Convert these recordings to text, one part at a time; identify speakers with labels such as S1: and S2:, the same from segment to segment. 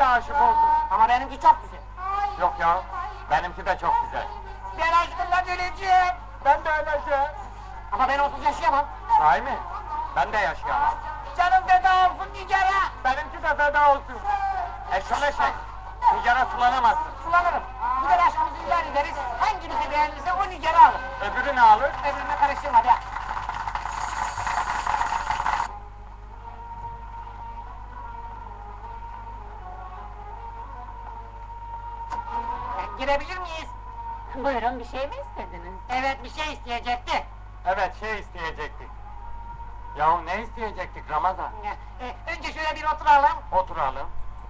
S1: de aşık oldum.
S2: Ama benimki çok güzel.
S1: Yok ya, benimki de çok güzel.
S2: Ben aşkımdan öleceğim.
S1: Ben de öleceğim.
S2: Ama ben onsuz yaşayamam.
S1: Sahi mi? Ben de yaşayamam.
S2: Canım feda olsun Nigar'a.
S1: Benimki de feda olsun. Eşşoleşek, Nigar'a sulanamazsın.
S2: Sulanırım. Gider aşkımızı ilan ederiz. Hangimizi beğenirse o Nigar'ı alır.
S1: Öbürü ne alır?
S2: Öbürüne karıştırma be. Girebilir miyiz?
S3: Buyurun, bir şey mi istediniz?
S2: Evet, bir şey isteyecekti.
S1: Evet, şey isteyecektik. Yahu ne isteyecektik Ramazan?
S2: Önce şöyle bir oturalım.
S1: Oturalım.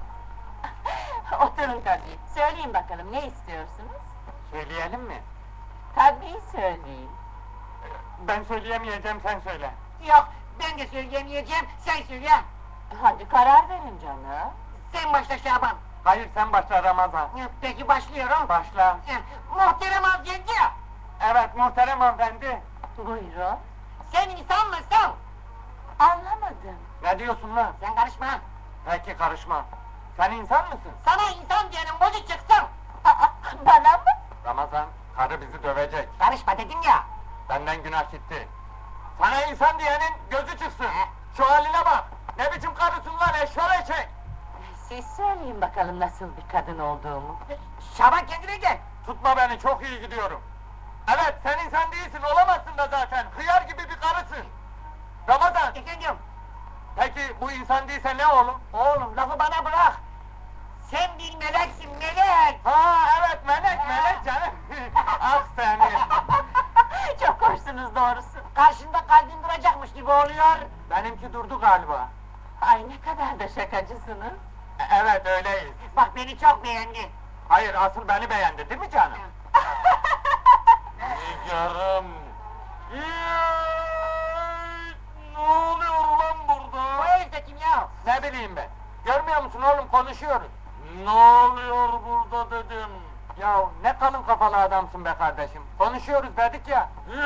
S3: Oturun tabii. Söyleyin bakalım, ne istiyorsunuz?
S1: Söyleyelim mi?
S3: Tabii söyleyin.
S1: Ben söyleyemeyeceğim, sen söyle.
S2: Yok, ben de söyleyemeyeceğim, sen söyle.
S3: Hadi karar verin canım.
S2: Sen başla Şaban.
S1: Hayır, sen başla Ramazan.
S2: Peki başlıyorum.
S1: Başla.
S2: Muhterem avcıncı,
S1: Evet, muhterem hanımefendi.
S3: Buyurun.
S2: sen insan mısın?
S3: Anlamadım.
S1: Ne diyorsun lan?
S2: Sen karışma.
S1: Peki karışma. Sen insan mısın?
S2: Sana insan diyenin bozu çıksın.
S3: Aa, bana mı?
S1: Ramazan, karı bizi dövecek.
S2: Karışma dedim ya.
S1: Benden günah gitti. Sana insan diyenin gözü çıksın. Şu haline bak. Ne biçim karısın lan eşşoleşek.
S3: Siz söyleyin bakalım nasıl bir kadın olduğumu.
S2: Şaban kendine gel.
S1: Tutma beni, çok iyi gidiyorum. Evet, sen insan değilsin, olamazsın da zaten. Hıyar gibi bir karısın. Ramazan,
S2: Efendim,
S1: peki bu insan değilse ne oğlum?
S2: oğlum lafı bana bırak. Sen bir meleksin, melek.
S1: Ha evet, melek canım. Ah seni.
S3: Çok hoşsunuz doğrusu.
S2: Karşında kalbin duracakmış gibi oluyor.
S1: Benimki durdu galiba.
S3: Ay ne kadar da şakacısınız.
S1: Evet, öyleyiz.
S2: Bak beni çok beğendi.
S1: Hayır, asıl beni beğendi değil mi canım? Nigarım. Ne oluyor ulan
S2: Bu
S1: burada?
S2: herif de kim ya?
S1: Ne bileyim ben. Görmüyor musun oğlum, konuşuyoruz. Ne oluyor burada dedim. Ya ne kalın kafalı adamsın be kardeşim. Konuşuyoruz dedik ya.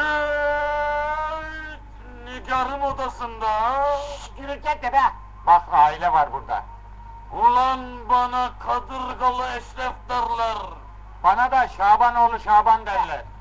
S1: Nigar'ın odasında.
S2: Gürültü etme be.
S1: Bak aile var burada. Ulan bana kadırgalı eşref derler. Bana da Şabanoğlu Şaban derler.